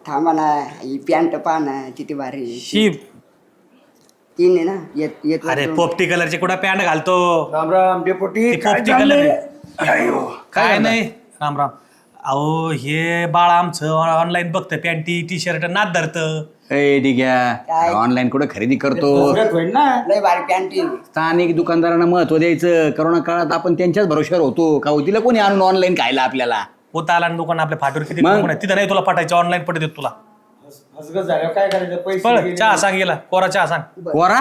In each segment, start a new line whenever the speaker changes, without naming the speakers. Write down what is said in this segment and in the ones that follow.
थांबा ना, ही पॅन्ट पहा ना किती भारी आहे.
ही
तीन आहे ना, येत येत
अरे पोपटी कलरची कुठं पॅन्ट घालतो
राम राम डेपुटी
ती
काय
पोपटी
चाललंय?
कलर
अयो,
काय
करता?
नाही राम राम. अहो हे बाळ आमचं ऑनलाईन बघतं पॅन्टी टी शर्ट नाद धरतं.
ए ठीक
काय?
आहे ऑनलाईन कुठं खरेदी करतो
फसगत होईल ना.
लय भारी पॅन्ट आहे.
स्थानिक दुकानदारांना महत्व द्यायचं. करोना काळात आपण त्यांच्याच भरोश्यावर होतो का तिला कोणी आणून ऑनलाईन खायला आपल्याला.
होता आला दुकान आपल्या फाटूर किती
मग?
दुकान आहे. तिथं नाही तुला पटायचं ऑनलाईन पटत तुला.
फसगत झाल्यावर काय करायचं? पैसे
पळ
गेले.
चहा सांग गेला कोरा चहा सांग.
कोरा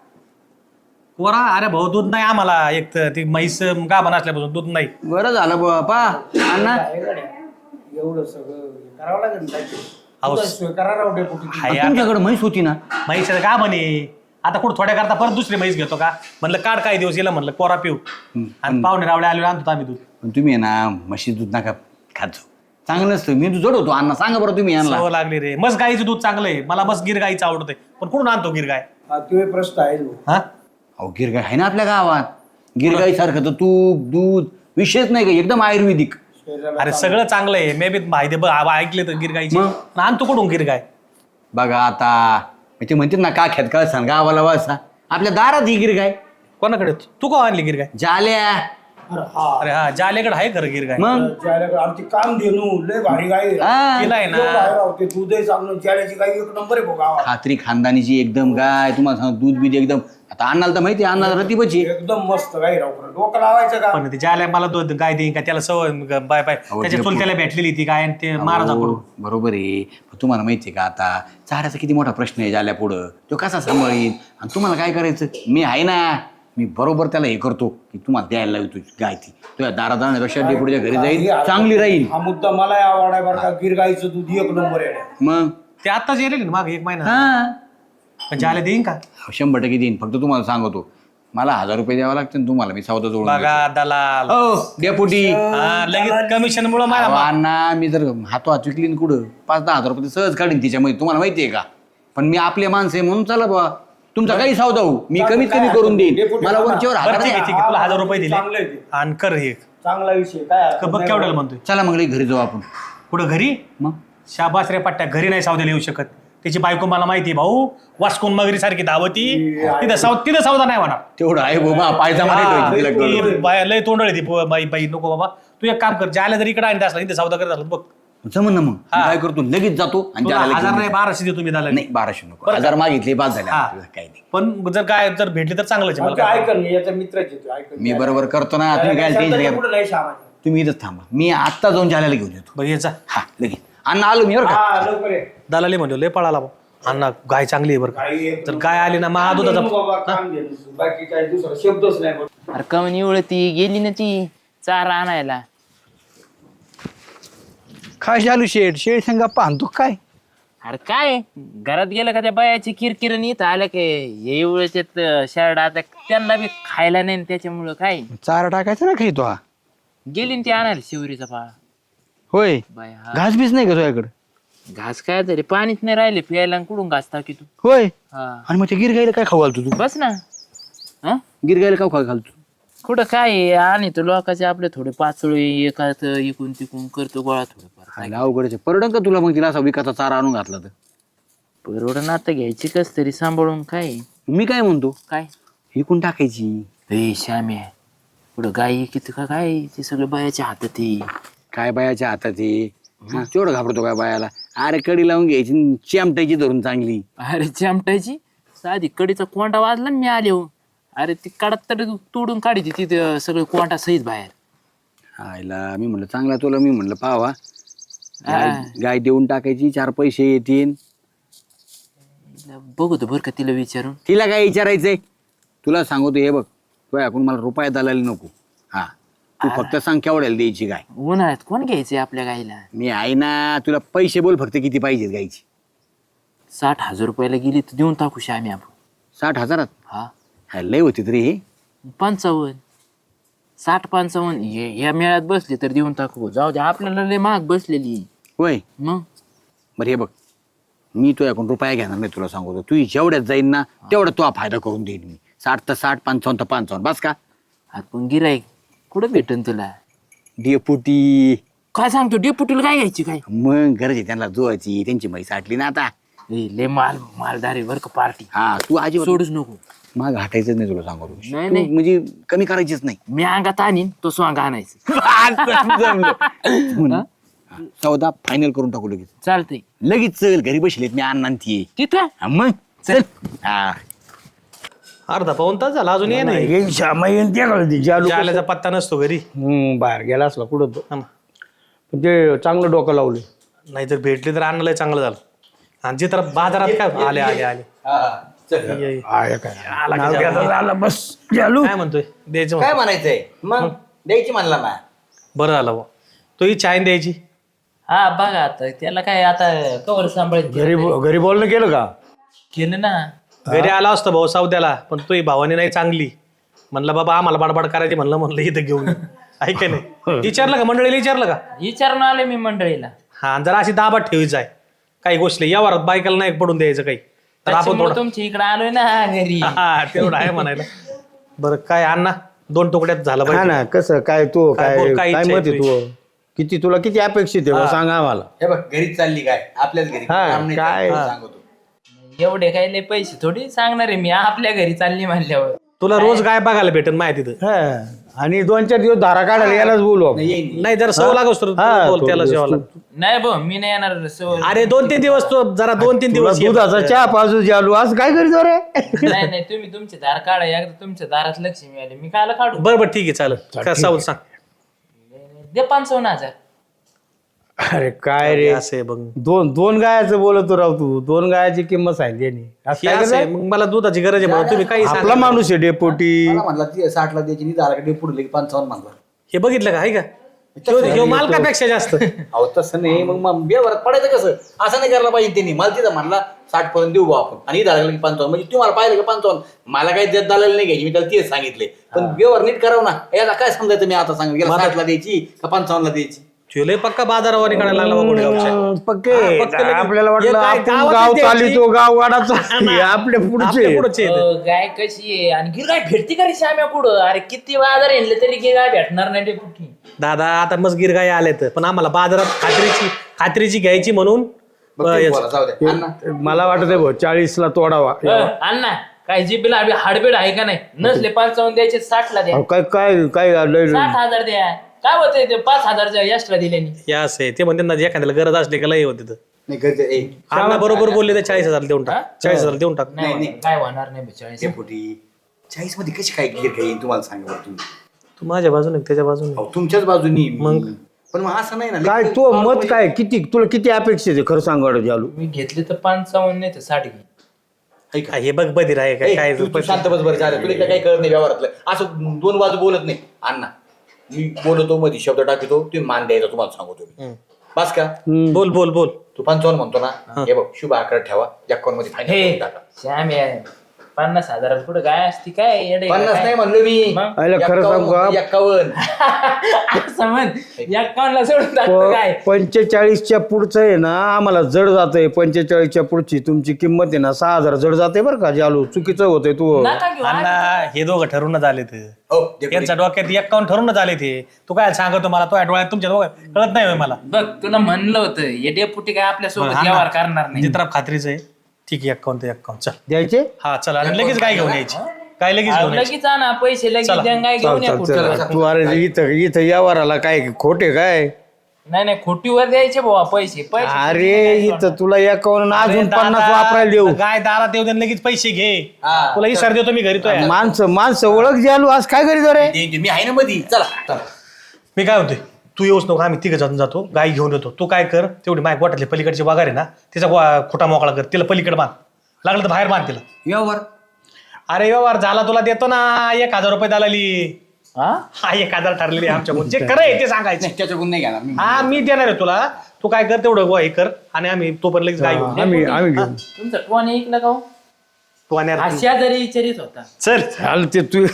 कोरा अरे भाऊ दूध नाही आम्हाला. एक तर ती म्हैस गाभण असल्यापासून दूध नाही.
बरं झालं बापा अण्णा.
काय गड्या? एवढं सगळं करावं लागेल ना काहीतरी.
अहो,
तुझा सोय करा राव डेपुटी.
हाय यार,
तुमच्याकडे म्हैस होती ना.
म्हैस गाभण आहे. आता कुठं थोड्या करता परत दुसरी म्हैस घेतो का म्हणलं काढ काही दिवस गेला म्हणलं कोरा पिऊ आणि पाहुणे रावळे आले आणतो आम्ही दूध.
पण तुम्ही आहे ना म्हशी दूध नका खात जाऊ. चांगलं नसतं. मी जड होतो अण्णा. सांगा बरं तुम्ही आणला.
सवय लागली रे. मस्त गाईचं दूध चांगलं आहे. मला मस्त गिर गाईचं आवडतंय पण कुठून आणतो गिर गाय.
हा, तो प्रश्न आहे भाऊ.
हा
अहो गिरगाय आहे ना आपल्या गावात. गिरगाई सारखं तर तूप दूध विषयच नाही का. एकदम आयुर्वेदिक.
शरीराला
अरे सगळं चांगलं आहे. मे बी माहिती ऐकले तर गिर गाईची
मग?
आणतो कुठून गिर गाय.
बघा आता ते म्हणतात ना का खेत का सांग गावाला वासा. आपल्या दारात ही गिरगाय
कोणाकडे तू का आणली गिर गाय.
जाल्या.
अरे हा.
अरे हा जालेकडे आहे खरं गिर गाय.
मग
ज्याला आमची काम देणू लय भारी गाई आहे.
हा.
तिला आहे
एवढं
ना
आहे राव, ते दूधही चांगलं. ज्याची गाई एक नंबर आहे भाऊ गावात.
खात्री खानदानीची एकदम गाय. तुम्हाला सांग दूध बीज एकदम. आता अन्नाला तर माहिती आहे अन्नाला रतीबची.
एकदम मस्त गाई राव. खरं. डोकं लावायचं का?
पण ते जाल्या मला दूध गाय देईन का त्याला सवय बाय बाय त्याच्या
ते
चुलत्याला भेटलेली ती गाय आणि ते महाराजाकडून.
बरोबर आहे. पण तुम्हाला माहिती आहे का आता चाऱ्याचा किती मोठा प्रश्न आहे जाल्या पुढं. तो कसा सांभाळीन. आणि तुम्हाला काय करायचं. मी आहे ना. मी बरोबर त्याला हे करतो की तुम्हाला द्यायला लावतो गाय ती. तुझ्या दारात आणण्यापेक्षा डेपुटीच्या घरी जाईल चांगली राहील.
हा मुद्दा मला आवड आहे बरं का. गिर गाईचं दूध एक नंबर आहे.
मग
ते आत्ताच येईल ना माग 1 महिना.
हा
पण जाल्या देईन का
100% देईन. फक्त तुम्हाला सांगतो मला 1000 रुपये द्यावा लागते ना तुम्हाला. मी सौदा जोडून
बघा दलाल.
हो डेपुटी.
हा, लगेच कमिशन मुळे मला
अण्णा मी जर हात विकली ना कुठं 5-10 हजार रुपये सहज काढीन तिच्यामध्ये. तुम्हाला माहिती आहे का. पण मी आपले माणसं आहे म्हणून चला बा तुमचा काही सौदा होऊ. मी कमीत कमी करून देईन. मला वरच्यावर
बरं ठीक आहे
हजार.
ठीक आहे तुला 1000 रुपये दिले
चांगलं आहे ते.
आणि कर हे
चांगला विषय काय हरकत
बघ
नाही
केवढ्याला
बा.
म्हणतोय.
चला मग घरी जाऊ आपण.
कुठं घरी
मग
शाबास रे पट्ट्या घरी नाही सावद्याला येऊ शकत. त्याची बायको मला माहिती आहे भाऊ वास्कोन मगरी सारखी धावती. तिथं सौदा नाही म्हणा.
तेवढं आहे बाबा. पायजामा नाही ठेवायची तिला कळलं.
ती लय तोंडळी ती बाई बाई नको बाबा. तू एक काम कर ज्याला जर इकडे आणत असला इथे सौदा करत असला बघ.
जमन ना मग. मी काय करतो लगेच जातो आणि
तुला
त्याला
1000
घेऊन
नाही
येतो.
1200 देतो मी त्याला.
नाही 1200 नको.
बरं.
1000 मागितले बाद झाले
हा.
आपल्याला, काही नाही.
पण जर काय जर भेटली तर चांगलंच आहे. मला
आमचं
काय
ऐकन मी याचा मित्रच येतो ऐकन.
मी बरोबर करतो ना. तुम्ही काय टेन्शन घ्या.
कुठं नाही सामान.
तुम्ही इथंच थांबा. मी आत्ता जाऊन जाल्याला घेऊन येतो.
बघ याचा
हा लगेच. अण्णा आलो मी बरं का.
हा लवकर ये.
दलाली म्हणलो लय पळाला भाऊ. अण्णा गाय चांगली आहे बरं का.
गाई एक
तर गाय आली ना महा
काम देणू
दुधाचा
बाबा, काम देणू. बाकी काय दुसरा शब्दच नाही बघ.
अरे कमी ती गेली ना ती चारा आणायला.
काय चालू शेड संगा पाहतो काय.
अरे काय घरात गेलं का त्या बायाची किरकिर इथं आलं की हे एवढ्याच्यात शर्ट आता त्यांना बी खायला नाही ना त्याच्यामुळं काय
चारा टाकायचा ना काही तो हा.
गेली ना ती आणायला शिवरीचा पाळा.
होय
बाय हा
घास बीस नाही का तुझ्याकडे.
घास काय तरी पाणीच नाही राहिले प्यायला आणि कुठून घास टाकी तू.
होय
हा
आणि मग ते गिरगाईला काय खाऊ घालतो तू.
बस ना. हा
गिरगायला का घालतो.
कुठं काय आहे? आणि तो लोकांचे आपले थोडे पाचोळे एकात इकून तिकून करतो गोळा थोडंफार.
खायला अवघडच पडण का तुला मग तिला असा विकाचा चारा आणून घातला तर.
परवडण आता घ्यायची कस तरी सांभाळून काय
मी काय म्हणतो
काय
विकून टाकायची.
ए श्याम्या पुढं गाई किती का काय ते सगळं बायाच्या हातात आहे.
काय बायाच्या हातात आहे. तेवढं घाबरतो काय बायाला. अरे कडी लावून घ्यायची चिमटायची धरून चांगली.
अरे चिमटायची साधी कडीचा कोंडा वाजला ना मी आले हो. अरे ती कडत तरी तोडून काढी तिथे सगळं कोंडा सहीच बाहेर.
आईला मी म्हणलं चांगला तुला मी म्हणलं पावा
हा.
गाय देऊन टाकायची 4 पैसे येतील.
बघतो बरं का तिला विचारून.
तिला काय विचारायचंय. तुला सांगतो हे बघ तू ऐकून मला रुपया दलाली नको. हा तू फक्त सांग केवढ्याला द्यायची गाय.
उन्हाळ्यात कोण घ्यायचंय आपल्या गाईला.
मी आहे ना. तुला पैसे बोल फक्त किती पाहिजेत गायची.
60,000 रुपयाला गेली तर देऊन टाकू श्यामी आपण.
60,000.
हा
हा लय होती तरी हे.
55 60-55 या मेळ्यात बसली तर देऊन टाकू. जाऊ दे आपल्याला लय महाग बसलेली.
होय
मग
बरं हे बघ मी तो ऐकून रुपया घेणार नाही. तुला सांगतो तू जेवढ्यात जाईन ना तेवढा तो फायदा करून देईन मी. 60 तर 60 55 तर 55 बस का.
आपण गिराईक कुठं भेटन तुला.
डेपुटी
काय सांगतो डेपुटीला काय घ्यायची काय
मग गरज आहे त्यांना जोवायची, त्यांची म्हैस आटली ना आता.
ए, लय मालदार आहे बरं का पार्टी
हा तू आजी
सोडूच नको.
मग हटायचं नाही तुला सांगू.
नाही,
तू
नाही.
म्हणजे कमी करायचीच नाही.
मी अंगात आणीन तो स्वांग आणायचं.
म्हणून सौदा फायनल करून टाकू लगेच.
चालतंय
लगेच चल, घरी बसलेत मी अण्णा आणि ती.
तिथं
मग चल. हा
अर्धा पाऊन तास झाला अजून ये नाही.
येईन श्यामा येईन ते कळते जालू
जाल्याचा पत्ता नसतो घरी.
बाहेर गेला असला कुठं तो
हा.
पण ते चांगलं डोकं लावले
नाही जर भेटली तर आणलंय चांगलं झालं. आणि जे तर बाजारात काय आले आले आले ये, ये. आला की जालू.
झालं बस जालू
काय म्हणतोय द्यायचं
काय
म्हणतो.
म्हणायचंय मग द्यायची म्हणला ना.
बरं झालं बुवा. तो ही चायन द्यायची.
हा बघा आता त्याला काय आता कवर सांभाळत
घरी बोलणं केलं का
केलं ना.
घरी आला असतो भाऊ सावद्याला, पण तो ही भावानी नाही चांगली. म्हणलं बाबा आम्हाला बडबड करायची, म्हणलं इथं घेऊन ये. ऐक नाही विचारलं का मंडळीला, विचारलं का?
विचारून आले मी मंडळीला.
हा जरा अशी दाबात ठेवायचं आहे काही गोष्टी यावर बायकाला नाही पडून द्यायचं काही. तर आपण
त्याच्यामुळे
थोडं
तुमच्या इकडे आलोय ना घरी.
हा तेवढं आहे म्हणायला. बरं काय अण्णा 2 तुकड्यात झालं
हा
पाहिजे.
ना कसं काय तू
काय बोल, काय
काय
इच्छा
मत आहे
आहे
तू किती तुला किती अपेक्षित आहे सांगा आम्हाला
हे बघ घरीच चालली काय आपल्याच घरी
हा,
काम नाही
काय?
चाललं, सांगतो.
एवढे काय लय पैसे थोडी सांगणार आहे मी आपल्या घरी चालली म्हणल्यावर.
तुला रोज काय बघायला भेटेल माहिती तिथं.
हा. आणि 2-4 दिवस धारा काढायला यालाच बोलू आपण.
येईन.
नाही जर सव लागस तर
हा,
बोल त्याला जेवायला.
नाही भाऊ मी नाही येणार सवय.
अरे 2-3 दिवस तो जरा 2-3
तुला
दिवस ये.
दुधाचा चहा पाजू जालू आज काय करीत रे
नाही नाही तुम्ही तुमचे दार काढा एकदा तुमच्या दारात लक्ष्मी आली मी कायला काढू.
बरं बरं ठीक आहे चालेल. का सावध सांग.
दे 55,000.
अरे काय रे
असं आहे बघ.
दोन गायाचं बोलतो राव तू 2 गायाची किंमत सांगली यांनी. असं
हे
काय
असं आहे,
करताय?
मग मला दुधाची गरज आहे म्हणून तुम्ही काही
आपला
सांगा.
माणूस आहे डेपोटी
मला म्हणला ती 60 ला द्यायची नाही झाला पुढे 55 म्हणला.
हे बघितलं का आहे का ह्यो मालकापेक्षा जास्त.
अहो तसं नाही मग व्यवहारात पडायचं कसं असं नाही करायला पाहिजे त्यांनी. मला तिथं म्हणला 60 पर्यंत देऊ बा आपण आणि झालं की 55 म्हणजे तुम्हाला पाहिलं का 55 मला काही देत झालेलं नाही घ्यायची मी त्याला तेच सांगितले. पण व्यवहार नीट करावं ना याला काय समजायचं मी आता सांगितलं 60 ला द्यायची का 55 ला द्यायची.
लय पक्का बाजारावर काढायला लागला बाबा गुडगावच्या.
पक्के
पक्के लगेच.
आपल्याला
हे
वाटलं
काय
आपण
गावातच
गाव
द्यायची?
चालितो गाव वाडाचा हे आपले पुढचे
आपल्या पुढचे आहेत.
गाय कशी आहे आणि गिरगाय भेटती का रे श्याम्या कुठं. अरे किती बाजार येणले तरी गिरगाय भेटणार नाही डेपुटी.
दादा आता मग गिरगाय आलेत पण आम्हाला बाजारात खात्रीची घ्यायची म्हणून
बघ ते बोला, जाऊ द्या. अण्णा,
मला वाटत आहे भाऊ 40 ला तोडावा
अण्णा काय जिबीला हाडबीड आहे का नाही. नसले 55 द्यायचे 60 ला द्या.
अहो, काय काय काय लय
60,000 द्या. काय होतंय ते 5,000 एक्स्ट्रा दिल्याने.
या असं आहे. ते म्हणते ना एखाद्याला गरज असली का लय होते तर.
नाही गरजे ए,
अण्णा बरोबर बोलले तर 40,000 देऊन टाक. 40,000 देऊन टाक.
नाही होणार, काय होणार नाही 40.
डेपुटी 40 मध्ये कशी काय गिर येईल तुम्हाला सांगा बरं तुम्ही.
तू माझ्या बाजूने त्याच्या बाजूने.
अहो, तुमच्याच बाजूनी
मग?
पण मग असं नाही ना
काय तो मत काय किती तुला किती अपेक्षित आहे खरं सांग जालू
मी घेतले तर 55 नाही तर 60 घे.
काय हे बघ बधीर आहे
ए,
काय
तू शांत बस बरं झालं तुला काही कळत नाही व्यवहारातलं असं 2 बाजू बोलत नाही. अण्णा मी बोलतो मध्ये शब्द टाकतो तुम्ही मान द्यायचा तुम्हाला सांगतो मी बस का.
बोल बोल बोल.
तू 55 म्हणतो ना हे बघ शुभ आकार ठेवा अकाउंट मध्ये
हे
फायनल टाका.
श्याम आहे 50,000 कुठं गाय असती काय येडे
50 नाही म्हणलो मी
मग?
आयला खरं सांगू का
51.
समज अकाउंटला सोडून टाकतो काय.
45च्या पुढचं आहे ना आम्हाला जड जातंय 45च्या पुढची तुमची किंमत आहे ना 6,000 जड जाते बरं का जालू चुकीचं होतंय तू
नका घेऊ.
अण्णा हे दोघं ठरूनच आले ते.
हो डेपुटी.
यांच्या डोक्यात एक काउंट ठरूनच आले ते. तू काय सांगतो मला तो डोळ्यात तुमच्या डोळ्यात कळत नाही होय मला.
बघ तुला म्हणलं होतं हे डेपुटी काय आपल्या सोबत व्यवहार करणार नाही.
जित्राप खात्रीच आहे. ठीक आहे अकाउंट चल.
द्यायचे
हा चला आणि लगेच काय घेऊन यायची काय लगेच घेऊन यायची.
लगेच आणा पैसे लगेच द्या काय घेऊन या
चल
कुठं.
चल तू अरे इथं यावराला काय खोटे काय
नाही नाही खोटीवर द्यायचे बाबा पैसे पैसे.
अरे इथं तुला एकावन्न अजून 50 वापरायला देऊ
काय दारात येऊ दे लगेच पैसे घे.
हा.
तुला इसर देतो मी घरी तो आहे.
माणसं ओळख जालू आज काय करीत रे
देईन, मी आहे ना मध्ये चला चला.
मी काय होते तू येऊच नको आम्ही तिघ जाऊन जातो गाय घेऊन येतो. तू काय कर तेवढी माय गोठातली पलीकडची वाघार आहे ना तिचा खोटा मोकळा कर तिला पलीकडे बांध लागलं तर बाहेर बांध तिला.
व्यवहार
अरे व्यवहार झाला तुला देतो ना 1,000 रुपये दलाली.
हा?
हा 1,000 ठरलेली आमच्याकडून जे खरं आहे ते सांगायचं.
नाही त्याच्याकडून नाही घेणार मी.
हा मी देणार आहे तुला. तू काय कर तेवढं हे कर आणि आम्ही तो पण लगेच गाय घेऊन
आम्ही घेऊ
तुमचा टोन ऐकलं का हो?
तू आणि
हा शेजारी विचारित होता.
चल
चाल ते तू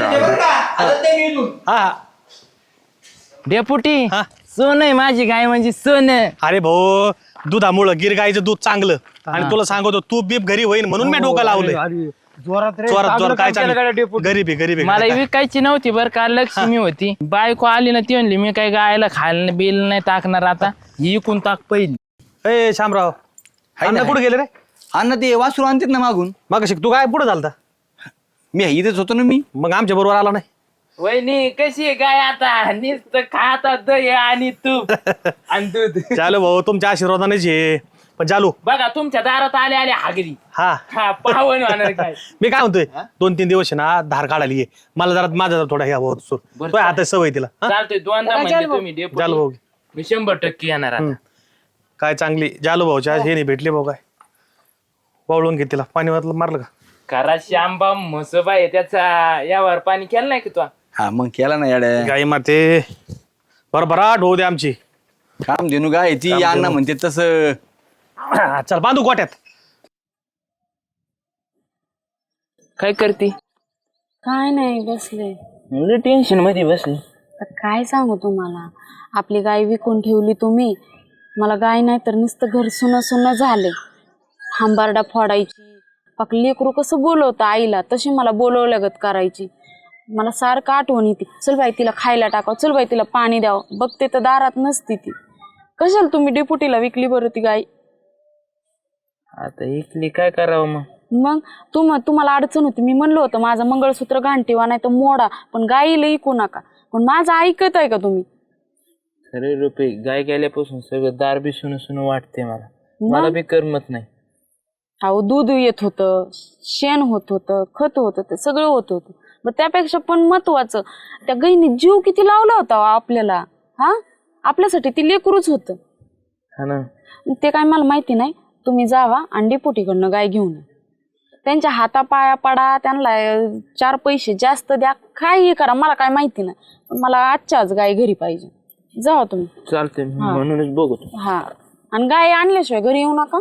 हा
डेपुटी
हा.
सोन आहे माझी गाय म्हणजे सोन.
अरे भाऊ दुधामुळं गिर गायचं दूध चांगलं आणि तुला सांगतो तूप बीप घरी होईल म्हणून मी डोकं लावलंय.
जोरात रे,
जोरात
चांगलं
जोर काय
काम केलं गाड्या
चालू
डेपुटी.
गरीब आहे गरीब आहे
मला
काय?
विकायची नव्हती बरं का, लक्ष्मी होती. बायको आली ना ती म्हणली मी काय गायला खायला बिल नाही टाकणार आता, ही इकून टाक पहिली.
ए शामराव अण्णा कुठे गेले रे?
अण्णा ते वासरू आणतात ना मागून.
मग तू काय पुढे झालता?
मी इथेच होतो ना मी.
मग आमच्या बरोबर आला नाही?
वहिनी कशी आहे गाय आता, नुसतं खाता दही आणि तूप आणि दूध.
चालू भाऊ तुमच्या आशीर्वादानेच आहे. पण चालू
बघा तुमच्या दारात आले आले हागरी.
हा
हा पावन होणार काय.
मी काय म्हणतोय 2-3 दिवस आहे ना धार काढायला ये. मला जरा माझा जरा थोडा ह्या भाऊ सूर तो आता सवय तिला. हा?
चालतोय दोनदा म्हणजे तुम्ही डेपुटी.
जालू भाऊ
मी 100% येणार आता.
काय चांगली जालू भाऊच्या हे नाही भेटले भाऊ काय वाळून घे तिला पाणी मारलं का?
खरा श्यामबा म्हसोबा आहे त्याचा, यावर पाणी केलं नाही की तू?
हा मग केला ना याड्या.
गाई माते बरोबराट होऊ दे आमची.
काम देणू गाय ती अण्णा म्हणते तसं.
चल बांधू गोट्यात.
काय करते?
काय नाही बसले.
टेन्शन मध्ये बसली.
तर काय सांगू तुम्हाला, आपली गाय विकून ठेवली तुम्ही. मला गाय नाही तर नुसतं घर सुनं सुनं झाले. हांबारडा फोडायची, पाक लेकरू कसं बोलवतं आईला तशी मला बोलवल्यागत करायची. मला सारखं आठवण येते, चल बाई तिला खायला टाकावं, चल बाई तिला पाणी द्यावं. बघते तर दारात नसती ती. कशाला तुम्ही डेपुटीला विकली बरं ती गाय?
आता इकली काय करावं मग?
मग तुम्हाला अडचण होती, मी म्हणलं होतं माझं मंगळसूत्र घाण ठेवा नाही तर मोडा, पण गाईला ऐकू नका. पण माझं ऐकत आहे का तुम्ही?
खरे रुपये गाय गेल्यापासून सगळं दार बी सुन सुन वाटते मला. मला बी करमत नाही.
अहो दूध येत होतं, शेण होत होतं, खत होत होतं, सगळं होत होतं. मग त्यापेक्षा पण महत्वाचं त्या गाईने जीव किती लावला होता आपल्याला. हा आपल्यासाठी ती लेकरूच होतं.
हा ना.
ते काय मला माहिती नाही. तुम्ही जावा आणि डेपुटीकडनं गाय घेऊन या. त्यांच्या हातापाया पडा, त्यांना 4 पैसे जास्त द्या, काही करा, मला काय माहिती नाही. पण मला आजच्या आज गाय घरी पाहिजे. जावा तुम्ही.
चालते म्हणूनच बघतो.
हा आणि गाय आणल्याशिवाय घरी येऊ नका.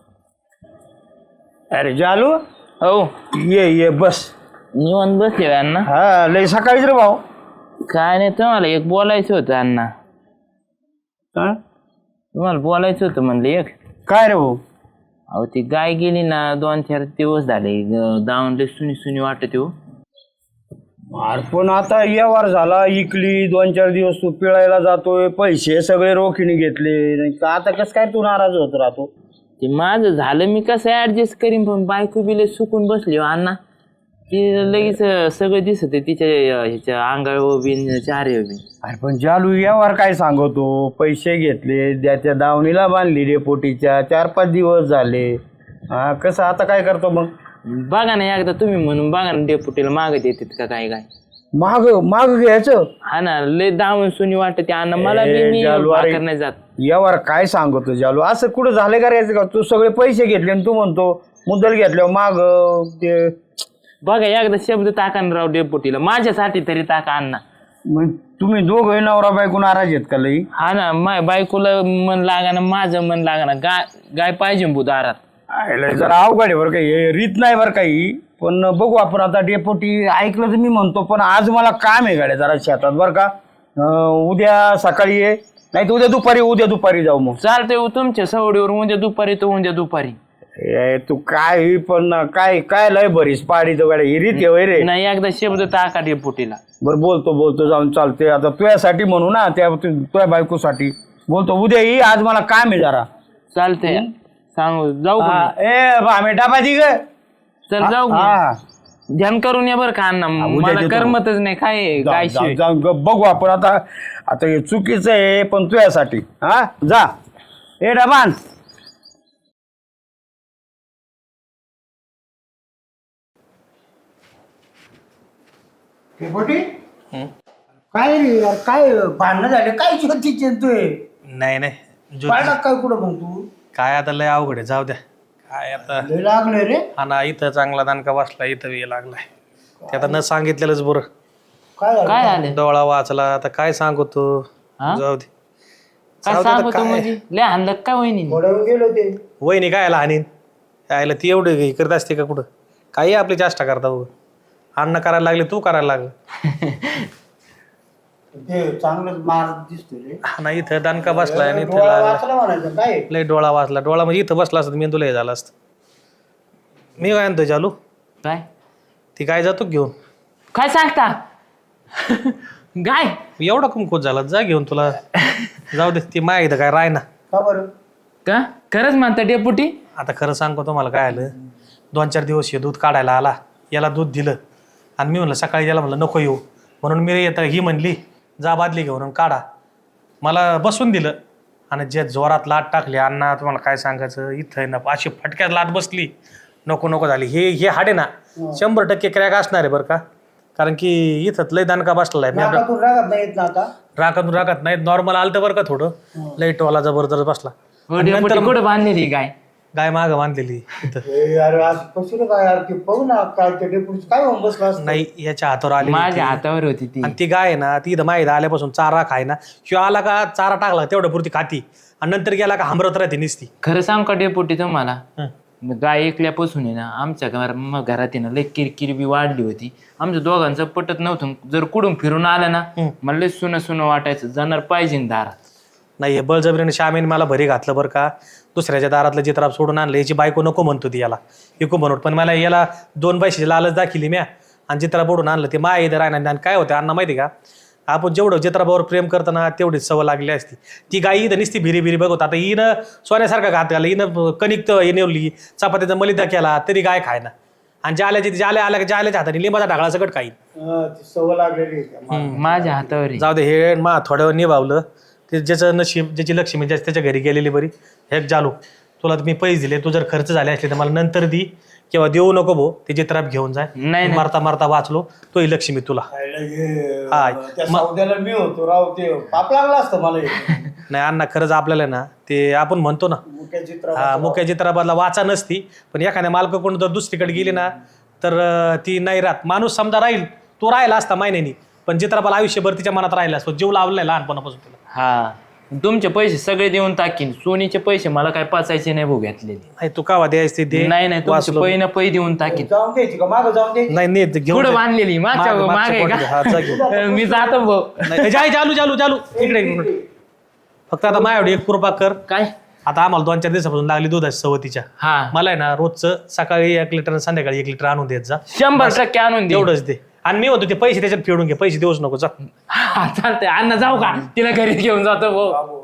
अरे जालू
हो
ये बस.
निवांत बसले का अण्णा?
हा लय सकाळीच रे भाऊ.
काय नाही, तुम्हाला एक बोलायचं होतं अण्णा.
हा?
तुम्हाला बोलायचं होतं म्हणलं एक.
काय रे भाऊ?
अहो ती गाय गेली ना 2-4 दिवस झाले, दावणले सुनी सुनी वाटत हो.
अरे पण आता व्यवहार झाला, इकली 2-4 दिवस तू पिळायला जातोय, पैसे सगळे रोखीने घेतले, नाही तर आता कसं काय तू नाराज होत राहतो?
ते माझं झालं, मी कसं ऍडजस्ट करीन, पण बायको बिले सुकून बसली हो अण्णा. ती लगेच सगळं दिसत तिच्या ह्याच्या अंगाळ बिन चारे बिन.
अरे पण जालू व्यवहार काय सांगतो, पैसे घेतले, त्याच्या दावणीला बांधली रे पोटीच्या, 4-5 दिवस झाले. हा कसं आता काय करतो मग?
बघा ना एकदा तुम्ही म्हणून बघा ना, डेपुटीला मागत येतात का काय काय?
माग घ्यायचं?
हा ना, लय दावण सुनी वाटते अण्णा मला बी. मी भाकर नाही जात.
यावर काय सांगतो जालू, असं कुठं झालं करायचं का? तू सगळे पैसे घेतले आणि तू म्हणतो मुद्दल घेतल्यावर माग ते.
बघा एकदा शब्द टाका ना राव डेपुटीला, माझ्यासाठी तरी टाका अण्णा.
मग तुम्ही दोघं नवरा बायको नाराज आहेत का लई?
हा ना, बायकोला मन लागा ना, माझं मन लागा ना. गाय पाहिजे बुधारात.
जरा अवघड आहे बरं काही, रीत नाही बरं काही. पण बघू आपण आता. डेपोटी ऐकलं तर मी म्हणतो, पण आज मला काम आहे गाड्या जरा शेतात बरं का. उद्या सकाळी ये, नाही तर उद्या दुपारी जाऊ मग.
चालतंय तुमच्या सवडीवर, उद्या दुपारी तो उद्या दुपारी.
तू काय पण काय लय भरीस पाडी तो गाड्या, ही रीत आहे वय रे.
नाही एकदा शब्द टाका डेपुटीला.
बरं बोलतो जाऊन चालते. आता तुझ्यासाठी म्हणू ना, तुझ्या बायकोसाठी बोलतो. उद्या ये, आज मला काम आहे जरा.
चालतंय सांगू जाऊ का?
आम्ही डबा दि ग.
चल जाऊ का? ध्यान करून या बरं का अण्णा, मला करमतच नाही काय गाय शिवाय.
जाऊन बघू आपण आता. आता हे चुकीचं आहे पण तुझ्यासाठी. हा जा ए डबान. काय रे यार, काय भांडणं झाले? काय चिंतोय?
नाही
काय कुठं मग तू?
काय आता लय अवघड आहे, जाऊ द्या. काय आता
लागले रे.
हा ना, इथं चांगला दणका बसला, इथं वेळ लागलाय. ते आता न सांगितलेलंच बरं.
काय झालं?
डोळा वाचला, आता काय सांगू तू. जाऊ दे.
काय सांगू तू म्हणजे लय हाणलं काय वहिनी?
वहिनी काय लहानीन यायला ती एवढी हे करत असते का कुठं? काही आपली चेष्टा करता बघ. अन्न करायला लागले, तू करायला लागलं.
चांगलंच मार दिसतोय रे.
हा ना, इथं दणका बसलाय आणि इथं लागला. लय डोळा वाचला. डोळा म्हणजे इथं बसला असत मेंदूला हे झालं असतं. मी काय म्हणतोय चालू,
काय
ती गाय जातो घेऊन.
काय सांगता गाय
एवढा कुमकुत झाला, जा घेऊन तुला. जाऊ दे, ती माय इथं काय राय ना.
का खरंच म्हणता डेपुटी?
आता खरं सांगतो तुम्हाला काय आलं, 2-4 दिवस हे दूध काढायला आला, याला दूध दिलं आणि मी म्हणलं सकाळी याला म्हणलं नको येऊ, म्हणून मी येता ही म्हणली जा बादली घेऊन काढा, मला बसून दिलं आणि जे जोरात लाट टाकली अण्णा, तुम्हाला काय सांगायचं, इथं ना अशी फटक्यात लाट बसली, नको नको झाली. हे हाडे ना 100% क्रॅक असणार आहे बरं का, कारण की इथं लय दणका बसलेला आहे. राखत नाहीत, नॉर्मल आलतं बरं का, थोडं लाईटवाला जबरदस्त बसला.
हो डेपुटी कुठं बांधलेली गाय?
गाय मागं बांधलेली इथं. नाही, याच्या हातावर आली
माझ्या हातावर होती ती.
आणि ती गाय आहे ना, ती इथं माहीत आल्यापासून चारा खाय ना, शिवाय आला का चारा टाकला तेवढ्या पुरती खाती आणि नंतर गेला का हांबरत राहते निसती.
खरं सांग का डेपुटी तुम्हाला,
हं.
गाय ऐकल्यापासून आहे ना आमच्या घरात आहे ना लय किरकिर बी वाढली होती. आमच्या दोघांचं पटत नव्हतं. जर कुठून फिरून आलं ना मला लय सुनं वाटायचं, जाणार पाहिजे ना दारात.
नाही, बळजबरीने श्यामीने मला भरी घातलं बरं का. दुसऱ्याच्या दारातलं चित्राप सोडून आणलं, याची बायको नको म्हणतो ती याला, इको म्हणून. पण मला याला 2 पैशाची लालच दाखिली म्या आणि चित्रा बोडून आणलं. ते माय इथं राहणार. आणि काय होतं अण्णा माहिती का, आपण जेवढं चित्राबावर प्रेम करताना तेवढीच सवय लागली असती. ती गाई इथं नुसती भिरी बघत, आता हिनं सोन्यासारखा घात घाला, हिनं कणिक नेवली, चपात्याचा मलिदा केला तरी गाय खायना. आणि जाल्याच्या हाताने लिंबाचा ढाकळा सकट खाईन.
सवय लागलेली.
माझ्या हातावर आहे.
जाऊ दे, हे थोड्या वेळ निभावलं ते, ज्याचं नशीब ज्याची लक्ष्मी त्याच्या घरी गेलेली बरी. हे जालू, तुला मी पैसे दिले, तू जर खर्च झाले असले तर मला नंतर दी किंवा देऊ नको भो, ते चित्राप घेऊन जाय.
नाही.
मारता वाचलो, तोही लक्ष्मी तुला.
मी होतो राव, ते पाप लागला असतं मला.
नाही अण्णा, खरंच आपल्याला ना ते आपण म्हणतो ना, मुख्य चित्राबादला वाचा नसती, पण एखाद्या मालक कोण जर दुसरीकडे गेली ना तर ती नाही राहत. माणूस समजा राहील, तो राहिला असता महिन्यानी, पण चित्राबाला आयुष्यभर तिच्या मनात राहिला असतो, जीव लावलाय लहानपणापासून तिला.
हा, तुमचे पैसे सगळे देऊन टाकीन. सोनीचे पैसे मला काय पाचायचे नाही भाऊ घेतलेले.
नाही, तू कावा द्यायची ते
नाही तुमचे पै देऊन टाकीन.
जाऊन द्यायची का मागं जाऊन द्यायची?
नाही घेऊन
कुठं
जा.
बांधलेली मागच्या मागे
हा, जा घेऊन.
का? मी जातो भाऊ.
नाही, जालू इकडे. फक्त आता माझ्याकडे एक कृपा कर.
काय?
आता आम्हाला 2-4 दिवसापासून लागली दुधाची सवतीच्या.
हा,
मला आहे ना रोजचं सकाळी 1 लिटर संध्याकाळी 1 लिटर आणून देत जा.
100% आणून दे.
एवढंच दे. आणि मी होतो ते पैसे त्याच्यात फेडून घे, पैसे देऊच नको. जा
हा, चालतंय. अण्णा जाऊ का? तिला घरी घेऊन जातो भाऊ.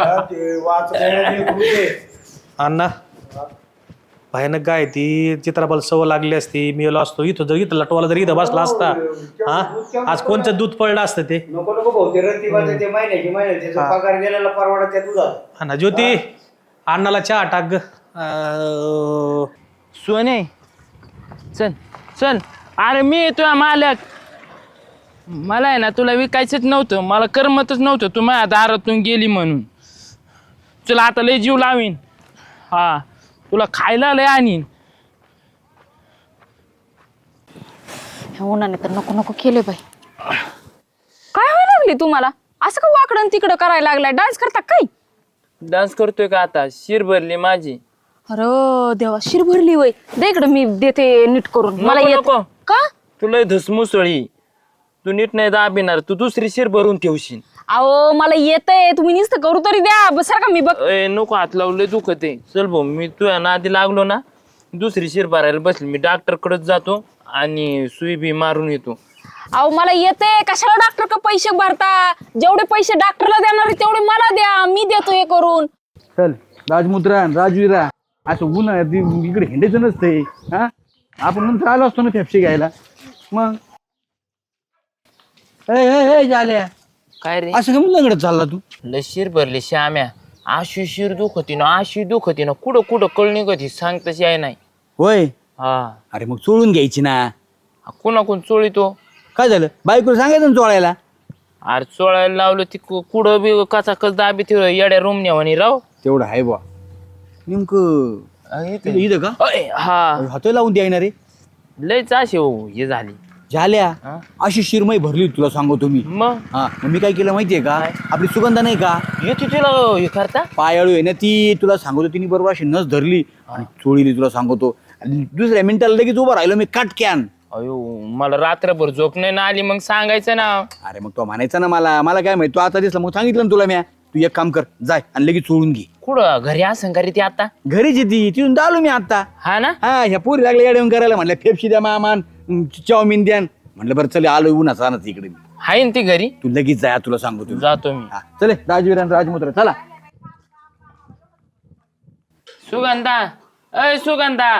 अण्णा, भयानक गाय ती, चित्राबाला सवय लागली असती, मी आलो असतो इथं. जर इथं लटवाला जर इथं बसला असता, हा आज कोणचं दूध पडलं असतं ते.
नको भाऊ, ते रतीबाचं ते महिन्याची पगार गेलेला परवडा त्या तुझा.
हा ना, ज्योती अण्णाला चहा टाक ग.
सोने चल. अरे मी तुझा मालक. मला आहे ना तुला विकायचंच नव्हतं, मला करमतच नव्हतं तू माझ्या दारातून गेली म्हणून. तुला आता लय जीव लावीन. हा, तुला खायला लय आणीन.
उन्हाने तर नको केले बाई. काय व्हायला लागली तुम्हाला? असं का वाकडं तिकडं करायला लागलाय? डान्स करता काय?
डान्स करतोय का आता? शिर भरली माझी.
अरे देवा, शिर भरली वय. दे इकडं, मी देते नीट करून. मला येत
नको.
का?
तुला धसमुसळी, तू नीट नाही दाबिणार, तू दुसरी शिर भरून ठेवशील.
अहो मला येतंय, तुम्ही नुसतं करू तरी द्या. बसर का मी बघ.
नको, हात लावले दुखत आहे. चल भाऊ, मी तुझ्या नादी लागलो ना, दुसरी शिर भरायला बसली. मी डॉक्टरकडेच जातो आणि सुई बी मारून येतो.
अहो मला येतंय, कशाला डॉक्टर का पैसे भरता? जेवढे पैसे डॉक्टरला देणार आहे तेवढे मला द्या, मी देतो हे करून.
चल राजमुद्रा राजवीरा, असं उन्हाळ्यात इकडे हिंडायचं नसतंय. हा, आपण नंतर आलो असतो ना फेपशी घ्यायला. मग झाल्या
काय रे?
असं कमी लंगडत चालला तू?
लय शिर भरली श्याम्या. अशी शिर दुखती ना, कुठं कळ निघती सांग तशी आहे नाही.
होय,
हा,
अरे मग चोळून घ्यायची ना.
कोण चोळीतो?
काय झालं, बायकोला सांगायचं ना चोळायला.
अरे चोळायला लावलं ती कुठं बी कसा कस दाबी ठेव येड्या रूम न्यावानी राव.
तेवढं आहे बा. नेमकं इथं का
हा,
हात लावून द्यायना रे.
लयच अशी हे झाली.
झाल्या अशी शिरमई भरली तुला सांगतो मी.
मग
मग मी काय केलं माहितीये का, आपली सुगंधा नाही का,
येते तुला हे करता.
पायाळू आहे ना ती, तुला सांगतो तिने बरोबर अशी नस धरली आणि चोळीली तुला सांगतो. आणि दुसऱ्या मिनिटाला लगेच उभं राहिलो मी काटक्यान.
अयो, मला रात्रभर झोप नाही ना आली. मग सांगायचं ना.
अरे मग तो म्हणायचा ना मला काय माहिती, तू आता दिसला मग सांगितलं ना तुला म्या.
तू एक काम कर, जाय आणि लगेच सोडून घे.
कुठं घरी असं घरी ती आता
घरीच येते, तिथून आलो मी आता.
हा ना
हा, ह्या पोरी लागल्या येऊन करायला, म्हणलं फेपशी द्या मामान, चाऊमिन द्या. म्हणलं बरं चल, आलो उन्हाचा आणत इकडे.
आहे ना ती घरी
तू लगेच जाय, तुला सांगू तू.
जातो मी.
चले राजवीर आणि राजमुद्रा चला.
सुगंधा अय सुगंधा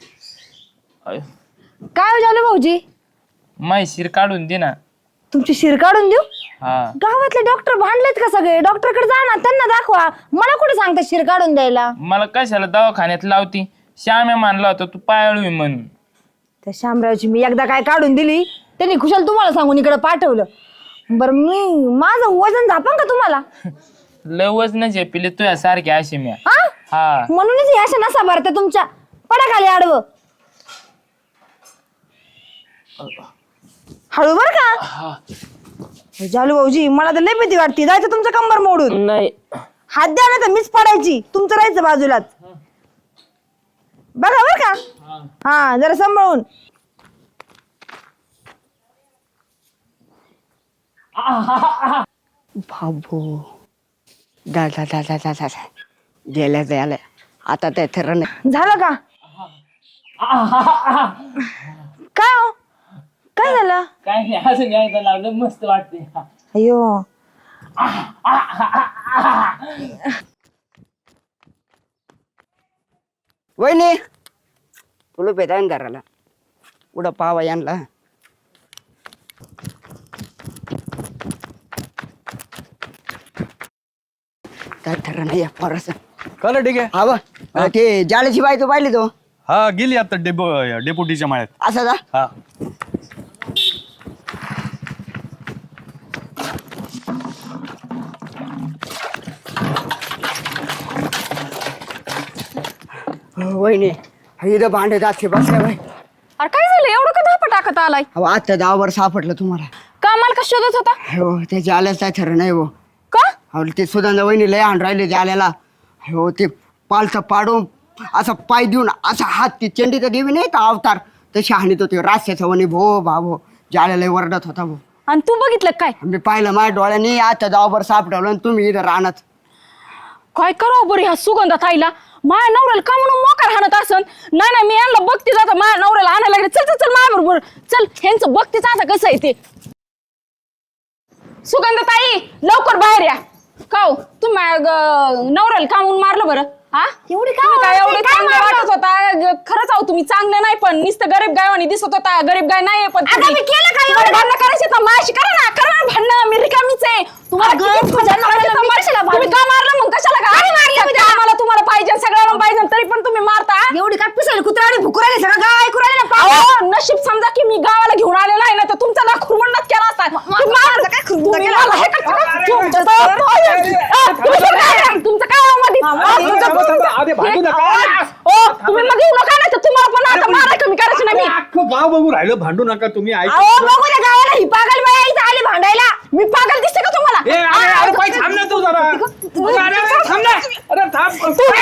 काय झालं भाऊजी?
माय शिर काढून दे ना.
तुमची शिर काढून देऊ?
हा
गावातले डॉक्टर भांडलेत का सगळे? डॉक्टरकडे जा ना, त्यांना दाखवा. मला कुठे सांगता शिर काढून द्यायला?
मला कशाला दवाखान्यात लावती? श्याम्या मानला होता तू पायाळू म्हणून.
त्या शामरावची मी एकदा काय काढून दिली, त्यांनी खुशाल तुम्हाला सांगून इकडे पाठवलं. बरं मी माझं वजन झापन का तुम्हाला?
लय वजन झेपिले तुझ्या सारखे असे म्या.
हा, म्हणूनच हे अशा नसा भरत्या तुमच्या. पडा खाली आडवं. हळू बर का. जालू भाऊजी, मला तर लय भीती वाटते. जायचं तुमचं कंबर मोडून.
नाही
हात द्या ना, तर मीच पडायची, तुमचं राहायचं बाजूलाच. बघा बर का. हा, जरा सांभाळून.
बाबू दा गेल्या द्यायला आता त्या थर नाही.
झालं का? काय हो, काय झालं?
काय नाही असं घ्यायचं लावलं मस्त वाटते.
अयो,
वहिनी तुला पेदा घराला उडा पावा यांना. काय ठर नाही परस.
कळलं ठीक आहे.
हवं ते जाल्याची बाई तो पाहिली तो.
हा, गेली आता डेपुटीच्या माळ्यात.
असं जा.
हा,
वहिनी इथं भांडे जाते बसल्या बाई.
अरे काय झालं एवढं का धापा टाकत आलाय?
अहो आता 10 वर सापडलं तुम्हाला.
कामाला का शोधत होता?
हो ते जाल्याच काय ठर नाही हो.
का?
अहो ते सुधांदा वहिनी लय आण राहिले जाल्याला. हो ते पालचं पाडून असा पाय देऊन असा हात, ती चंडीचा देवी नाही का अवतार, तशी हाणीत होते रास्त्याचा वणी. भो भाभो जाल्याला वरडत होता भो.
आणि तू बघितलं काय?
मी पाहिलं माझ्या डोळ्यांनी. आता 10 वर सापडवलं आणि तुम्ही इथं राहणार.
काय करावं बरं ह्या सुगंधात आईला? माझ्या नवऱ्याला का म्हणून मोकार हाणत असन? नाही नाही, मी यांना बघते जाता माझ्या नवऱ्याला आणायला लागले. चल चल चल माझ्या बरोबर चल. ह्यांचं बघतेच आता कसं आहे ते. सुगंधाताई लवकर बाहेर या. का हो, तुम्ही नवऱ्याला का म्हणून मारलं बरं? हा,
एवढी
काय एवढे
काय
चांगलं
मारलं?
वाटत होता? खरंच आहो तुम्ही चांगले नाही, पण नुसतं गरीब गायवानी दिसत होता. गरीब गाय नाही पण
अगं, मी केलं काय?
तुम्हाला भांडणं करायची तर माझ्याशी करा ना. करा ना भांडणं, मी रिकामीच आहे. तुम्हाला
अगं,
किती
तुझ्या
भांडणं करायची तर
नवऱ्याला मी कशाला
तुम्ही का मारलं मग? कशाला का मारलं? आम्हाला तुम्हाला पाहिजे, सगळ्यांना पाहिजे, तरी पण तुम्ही मारता.
एवढी काय पिसायला कुत्रा आणि भुकुरायला सगळं गाव ऐकू राहिले ना.
अहो, नशीब समजा की मी गावाला घेऊन आलेला आहे ना, तर तुमचा ना खुरमंडच केला असता. तुम्ही मला हे करता का? तुमचं काय मध्ये? तुम्ही मग येऊ नका, नाही तर तुम्हाला पण आता मारा कमी करायचं नाही.
अख्खं गाव बघू राहिलं, भांडू नका तुम्ही. ऐक.
अहो, बघू त्या गावाला ही पागल बाई इथं आली भांडायला.
मी पागल दिसते का तुम्हाला?
ए, अरे, अरे, बाई, थांब ना तू जरा. अरे, अरे, थांब ना. अरे, थांब.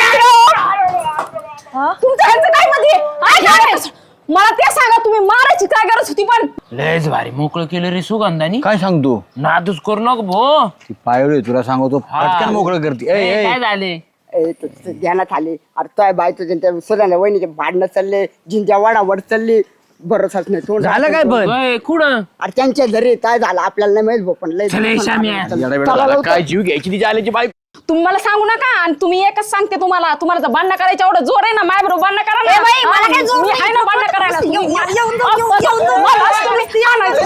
तुमचं ह्यांचं काय मध्ये? मला ते सांगा, तुम्ही मारायची काय गरज होती? पण
लयच भारी मोकळं केलं रे सुगंधानी.
काय सांगतो?
नादूच करू नको भो.
ती पायवळी तुला सांगतो, पटकन मोकळं करते.
ए, काय झाले?
ध्यानात आले. अरे तो बाय तुझ्या सुधांदा वहिनीचे भांडणं चालले, जिंच्या वाडावर चालली. भरोसाच नाही. तोंड
झालं काय पण?
ओय, कुठं?
अरे त्यांच्या घरी काय झालं आपल्याला नाही माहित भाऊ, पण लय
चल, श्याम्या.
येडा-बेडा झाला. काय जीव घ्यायची तिच्या आल्याची बाई.
तुम्ही मला सांगू नका. आणि तुम्ही एकच सांगते, तुम्हाला जर भांडणं करायचं एवढं जोर आहे ना, माझ्या बरोबर भांडणं करा ना.
ए बाई, मला काय जोर
मी
नाही.
आहे ना भांडणं करायला.
येऊन जा, येऊन जा,
तुम्ही-
येऊन जा.
मलाच तुम्ही आणायचं.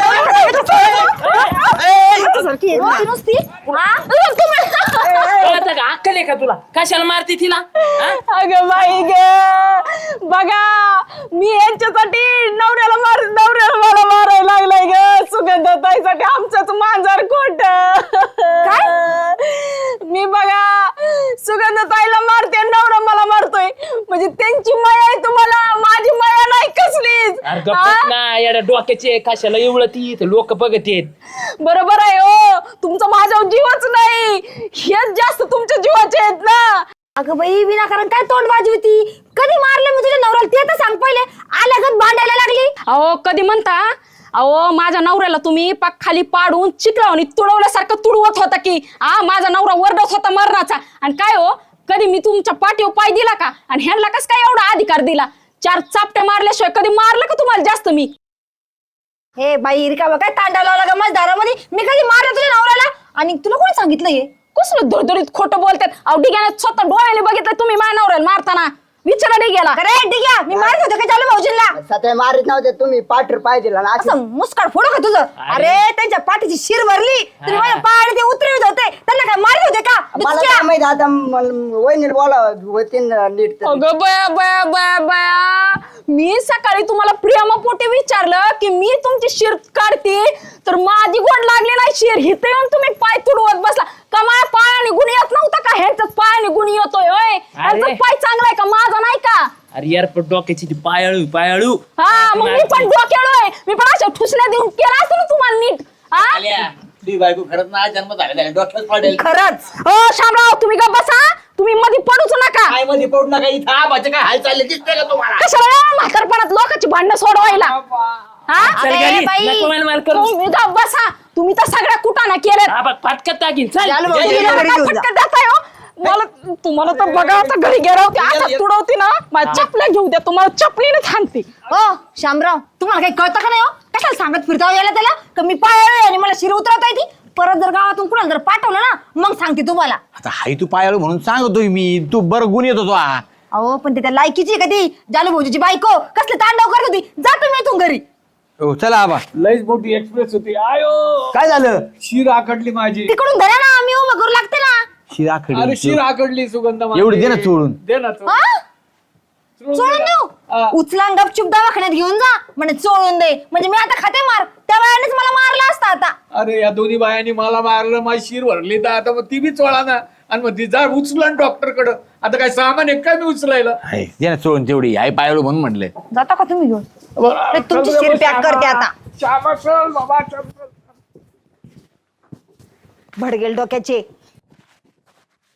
नुसती? हा?
कळतं का? अक्कल आहे का तुला? कशाला मारते तिला? हा?
अगं बाई ग, बघा मी यांच्यासाठी नवऱ्याला मला मारायला लागलाय ग. सुगंधाताईसाठी आमचंच मांजर खोट. मी बघा सुगंधाताईला मारते, नवरा मला मारतोय. म्हणजे त्यांची माया आहे तुम्हाला, माझी माया नाही कसलीच.
अरे गप्पच ना, येड्या डोक्याचे कशाला एवढं ती लोक बघत येत.
बरोबर आहे हो, तुमचं माझ्यावर जीवच नाही, हेच जास्त तुमच्या जीवाचे आहेत ना.
अगं बाई, विनाकारण काय तोंड वाजवती? कधी मारलं मी तुझ्या नवऱ्याला ते तर सांग पहिले. आल्यागत भांडायला लागली.
अहो कधी म्हणता
अहो माझ्या नवऱ्याला तुम्ही पाक खाली पाडून चिकलावणी तुडवल्यासारखं तुडवत होता की माझा नवरा वरडत होता मरणाचा. आणि काय हो, कधी मी तुमच्या पाठीवर पाय दिला का? आणि ह्यांना कस काय एवढा अधिकार दिला? 4 चापट्या मारल्याशिवाय कधी मारलं का तुम्हाला जास्त मी?
हे बाई रिकामा काय तांडा लावला का माझ्या दारामध्ये? मी कधी मारलं तुझ्या नवऱ्याला? आणि तुला कोणी सांगितलं हे?
कसलं धुरधुरीत खोटं बोलतात. अहो डिग्याने स्वतः डोळ्याने बघितलं तुम्ही माझ्या नवऱ्याला मारताना. विचारा डिग्याला.
अरे ठीक आहे, मी मारत होते का चालू भाऊजींना?
सध्या मारित नव्हते तुम्ही, पाठर पाहिजे ना असं.
असं मुस्काड फोडू का तुझं? अरे त्यांच्या पाठीची शिर भरली, तुम्ही माझ्या पायाने ते उतरवित होते, त्यांना काय मारत होते का?
मला काय माहित आता, वहिनीला बोला होती नीट तर.
अगं बया बया बया बया, मी सकाळी तुम्हाला प्रेमापोटी विचारलं की मी तुमची शिर काढते, तर माझी गोड लागली नाही शिर. हिथे येऊन तुम्ही पाय तुडवत बसला का? माझ्या पायाने गुण येत नव्हता का? ह्यांचाच पायाने गुण येतोय होय. ह्यांचाच पाय चांगला आहे का, माझा नाही का?
अरे यार पण डोक्याची ती पायाळू पायाळू.
हा मग मी पण डोक्याळोय. मी पण अशा ठुसल्या देऊन केला असतो ना तुम्हाला नीट.
तुझी बायको खरंच ना जन्म झालेला आहे, डोक्यात पडेल.
खरंच
ओ शामराव, तुम्ही गप्प बसा. तुम्ही मध्ये पडूच नका.
काय मध्ये पडू नका इथं. आबाचे काय हाल चालले दिसते का तुम्हाला?
कशाला म्हातारपणात लोकांची भांडणं सोडवायला? हा?
चल
अरे
घरी,
बाई,
नको मला मार करू.
तुम्ही गप्प बसा. तुम्ही तर सगळ्या कुटाणा केल्यात.
हा बघ फाटक्यात टाकीन. चल
चालू
तुम्ही
भाऊजीला
मला
घरी
काय
घेऊन जा.
फटका देताय हो? तुम्हाला तर बघा आता घरी गेला होते, आता तुडवते ना माझ्या चपल्या घेऊ द्या. तुम्हाला चपलीने थांबते.
हो शामराव, तुम्हाला काही कळतं का नाही? हो कशाला सांगत फिरता यायला त्याला का मी पायाळू आणि मला शिर उतरवता येते? परत जर गावातून कुणाला जर पाठवलं ना, मग सांगते तुम्हाला.
आता हाय तू पायाळू म्हणून सांगतोय मी. तू बरं गुण येतो तो.
अहो पण ते त्या लायकीची आहे का ती जालू भाऊजीची बायको? कसले तांडव करत होती. जातो मी इथून घरी.
हो चला आबा.
लईच मोठी एक्सप्रेस होती. आयो
काय झालं?
शिर आकडली माझी.
तिकडून धरा ना, आम्ही उभं करू लागते ना.
शिरा
अरे शिर आकडली सुगंध माझी.
एवढी दे ना चोळून.
दे ना चोळून.
हा? चोळून
हा.
देऊ? उचला आणि गपचूप दवाखान्यात घेऊन जा म्हणजे चोळून दे. म्हणजे मी आता खाते मार, त्या वेळानेच मला मारला असता आता.
अरे या दोन्ही बायांनी मला मारलं, माझी शिर भरली, तर आता मग ती बी चोळा ना. आणि मग ती जा उचलं डॉक्टर कडं. आता काय सामान आहे काय मी उचलायला?
हाय, दे ना चोळून तेवढी. आई पायाळू म्हणून म्हटलंय.
जाता का तुम्ही घेऊन? अरे, तुमची शिर पॅक करते आता.
श्यामा चल बाबा चल.
भडगेल डोक्याचे.